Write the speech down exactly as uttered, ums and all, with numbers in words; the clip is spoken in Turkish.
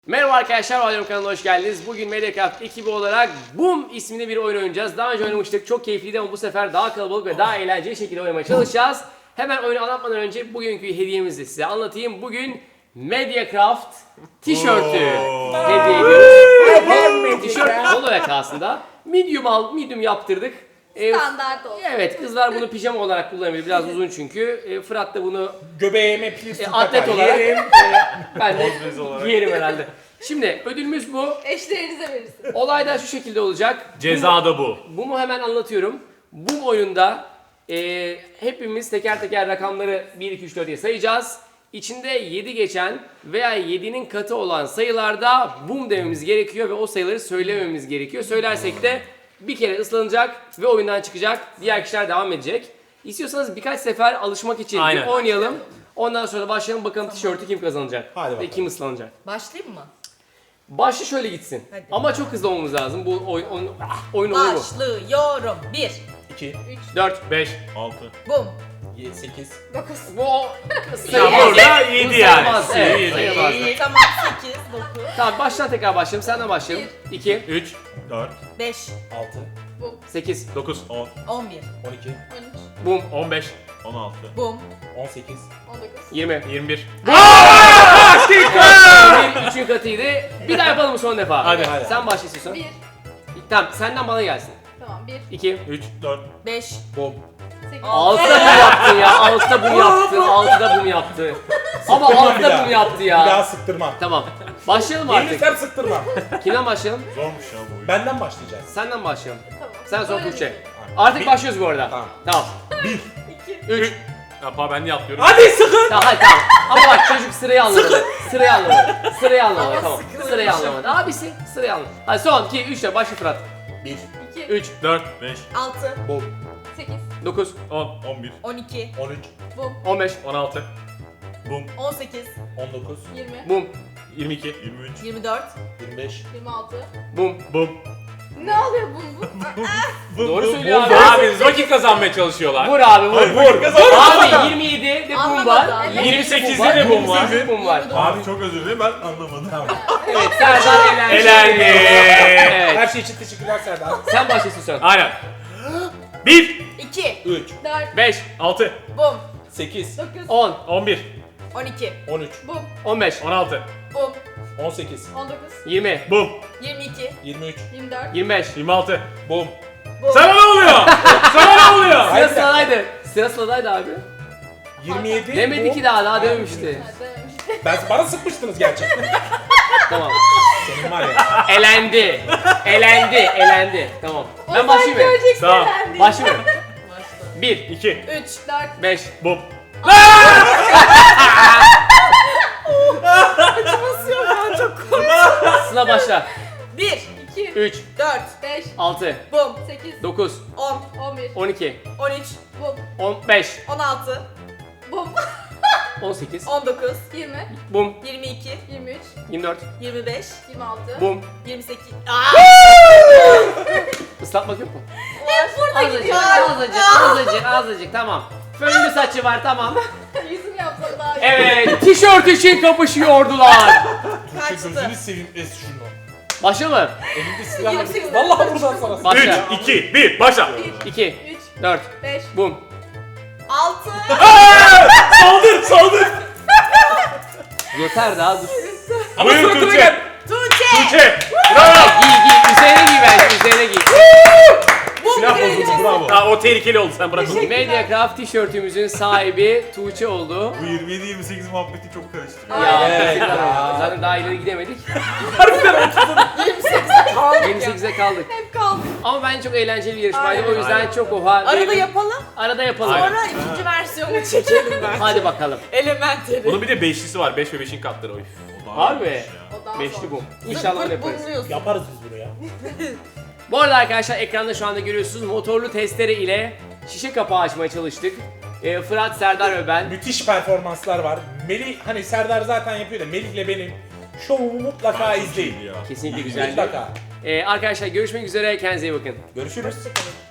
Merhaba arkadaşlar, Valorant kanalına hoş geldiniz. Bugün Mediacraft ekibi olarak Boom isminde bir oyun oynayacağız. Daha önce oynamıştık, çok keyifliydi ama bu sefer daha kalabalık ve daha eğlenceli şekilde oynamaya çalışacağız. Hemen oyunu anlatmadan önce bugünkü hediyemizi size anlatayım. Bugün Mediacraft tişörtü hediye ediyoruz. Tişört polo yakasında. Medium al, medium yaptırdık. Ee, Standart olsun. Evet, kızlar bunu pijama olarak kullanabilir. Biraz uzun çünkü. Ee, Fırat da bunu Göbeğime plis e, tutar. atlet olarak yerim. e, ben de giyerim herhalde. Şimdi ödülümüz bu. Eşlerinize verirsiniz. Olay da şu şekilde olacak. Ceza da bu. Bunu hemen anlatıyorum. Bu oyunda e, hepimiz teker teker rakamları bir, iki, üç, dört diye sayacağız. İçinde yedi geçen veya yedinin katı olan sayılarda boom dememiz gerekiyor ve o sayıları söylememiz gerekiyor. Söylersek de bir kere ıslanacak ve oyundan çıkacak. Diğer kişiler devam edecek. İstiyorsanız birkaç sefer alışmak için bir Aynen. oynayalım. Ondan sonra başlayalım, bakalım tişörtü kim kazanacak Hadi ve bakalım. kim ıslanacak. Başlayayım mı? Başlı şöyle gitsin. Hadi. Ama çok hızlı olmamız lazım. Bu oyun oyun, oyun olur mu? Başlıyorum. bir, iki, dört, beş, altı. bum, sekiz, dokuz. bu Ya sayılmaz. burada yedi yani. sayılmaz, evet, Yedi. sayılmaz. tamam sekiz, dokuz, Tamam, baştan tekrar başlayalım. Senden başlayalım. iki, üç, dört, beş, altı, sekiz, dokuz, on, on bir, on iki, on üç. bum, on beş, on altı, bum, on sekiz, on dokuz. yirmi. yirmi bir. Bir üçün katıydı. Bir daha yapalım son defa. Hadi. Hadi. Sen başla istiyorsan. bir. Tamam, senden bana gelsin. Tamam. bir. iki, üç, dört, beş, bom. sekiz. altıda bum yaptın ya. altıda bum yaptı. altıda bum yaptı. Ama Sıktırmam bir altıda daha. bum yaptı Bir daha ya. sıktırmam. Tamam. Başlayalım artık. Yenilirsem sıktırmam. Kimden başlayalım? Zormuş ya bu oyun. Benden başlayacağız. Senden başlayalım. Tamam. Sen son Böyle Tuğçe. mi? Artık Bir- başlıyoruz bu arada. Tamam. Tamam. Bir. İki. üç. Yapma ben de atlıyorum. Hadi sıkın. Tamam, hadi tamam. Ama bak, çocuk sırayı anlamadı. Sırayı anlamadı. Sırayı anlamadı. Ama Tamam. sıkılmış. Sırayı anlamadı. Abisi sırayı anlamadı. Hadi son iki, üç de başla Fırat. Bir. İki. üç, dört, beş, altı, Bom. Sekiz. dokuz, on, on bir, on iki, on üç, Bum. on beş, on altı, bum, on sekiz, on dokuz, Yirmi. bum, yirmi iki, yirmi üç, yirmi dört, yirmi beş. Yirmi altı. bum. bum. Ne oluyor bum bum? Doğru söylüyor abi. Abi vakit kazanmaya çalışıyorlar. Vur abi, vur. Hayır, Vur. vakit kazanmaya Abi yirmi yedi de bum Anlamadı, var. anlamadı. yirmi sekizde de bum var. yirmi sekiz bum var. Abi çok özür dilerim ben anlamadım. tamam. Evet, Serdar elendi. Elendi. Her Evet. şey için teşekkürler Serdar. Sen başlasın sen. Aynen. bir, iki, üç, Dört. beş, altı, bum, sekiz, Dokuz. on, on bir, on iki, on üç, Bum. on beş, on altı, bum, on sekiz, On dokuz. yirmi, bum, yirmi iki, yirmi üç, Yirmi dört. yirmi beş. yirmi altı. bom. bum, Sana ne oluyor? Sana ne oluyor? Sıra Hayır. sıradaydı. Sıra sıradaydı abi. yirmi yedi. Demedi bom. ki daha, daha dememişti. Ha, dememiş. Ben bana sıkmıştınız gerçekten. Tamam. Senin var ya. Elendi. Elendi, elendi. Tamam. Ben Sen başlayayım mı? göreceksin Tamam. elendi. Başlayayım mı? başla. bir, iki, üç, Dört. beş, bum. basıyorum ya çok korkuyorum. Sıla başla. bir, İki. üç, dört, Beş. altı, bum, Sekiz. dokuz, on, On bir. on iki, on üç, Bum. on beş, on altı, Bum. on sekiz, on dokuz, Yirmi. bum, yirmi iki, Yirmi üç. yirmi dört, yirmi beş, Yirmi altı. bum. yirmi sekiz. Islatmak yok mu? Hep burada Azıcık, gidiyor. azıcık, azıcık, azıcık. Tamam. Fönlü saçı var, tamam. Yüzüm yapsam daha iyi. Evet, tişört için kapışıyordular. Kaçtı. Gözünü seveyim es şunu. Başlayalım mı? Elimde silah Yirmi var. sekiz. Vallahi buradan sana. Başla. üç, iki, bir, başla. Bir. iki, Üç. dört, Beş. bum. altı, Saldır, saldır. Yeter daha dur. Ama Buyur suratına Tuğçe. gel. Tuğçe, Tuğçe. Giy giy, üzerine giy bence, üzerine giy. bum Silah bozuldu gireceğiz. bravo. Ha, o tehlikeli oldu sen bırak onu. Mediacraft tişörtümüzün sahibi Tuğçe oldu. Bu yirmi yedi yirmi sekiz muhabbeti çok karıştırıyor. Ya, Evet teşekkürler. ya. Zaten daha ileri gidemedik. yirmi sekize kaldık yirmi ya. sekize kaldık. Hep kaldı. Ama bence çok eğlenceli bir yarışmaydı. Aynen. O yüzden çok oha. Arada diyelim. yapalım, Arada yapalım. sonra ikinci versiyonu çekelim ben. Hadi bakalım. Elementary. Bunun bir de beşlisi var. beş ve beşin katları o. O daha Harbi. iyiymiş ya. O daha Beşli zor. bu. İnşallah öyle Zırt pırt yaparız. bumluyorsun. Yaparız biz bunu ya. Bu arada arkadaşlar, ekranda şu anda görüyorsunuz, motorlu testere ile şişe kapağı açmaya çalıştık. Ee, Fırat, Serdar ve ben. Müthiş performanslar var. Melih hani Serdar zaten yapıyor da Melih'le benim şovumu mutlaka izleyin. Ya. Kesinlikle güzeldi. Mutlaka. Ee, arkadaşlar görüşmek üzere, kendinize iyi bakın. Görüşürüz. Hoşçakalın.